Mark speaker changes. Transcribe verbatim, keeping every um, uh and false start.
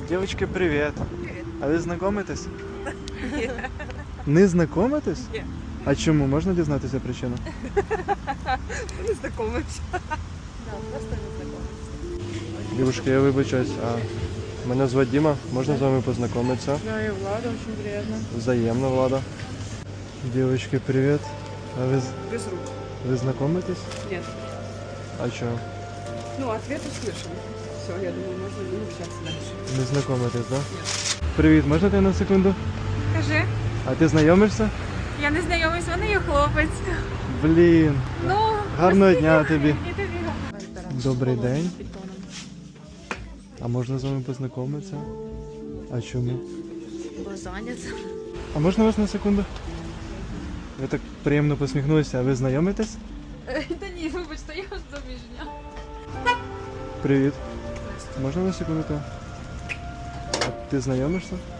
Speaker 1: Девочки, привет.
Speaker 2: Привет.
Speaker 1: А ви знайомитесь?
Speaker 2: Ні.
Speaker 1: Не знайомитесь?
Speaker 2: Ні.
Speaker 1: А чому? Можна дізнатися причину?
Speaker 2: Не знайомимося. Да, просто не знайомимося.
Speaker 1: Дівушка, я вибачаюсь, а мене звати Діма, можна з вами познайомитися?
Speaker 3: Да, и Влада, очень приятно.
Speaker 1: Взаємно, Влада. Девочки, привет. А ви, з-
Speaker 3: Без рук.
Speaker 1: ви знайомитесь?
Speaker 3: Нет.
Speaker 1: А чого?
Speaker 3: Ну, ответ услышан. Все, я думаю, можно не общаться дальше.
Speaker 1: Не знайомитесь, так? Да? Привіт, можна ти на секунду?
Speaker 4: Кажи,
Speaker 1: А ти знайомишся?
Speaker 4: я не знайомий з мене, є хлопець.
Speaker 1: Блін.
Speaker 4: Ну,
Speaker 1: Гарного дня тобі.
Speaker 4: і тобі.
Speaker 1: Добрий день. А можна з вами познайомитися? А чому?
Speaker 4: Бо зайнята.
Speaker 1: А можна вас на секунду? Ви так приємно посміхнулися, а ви знайомитесь?
Speaker 4: Та ні, вибачте, я ж заміжня.
Speaker 1: Привіт. Можна на секунду? А ти знайомишся?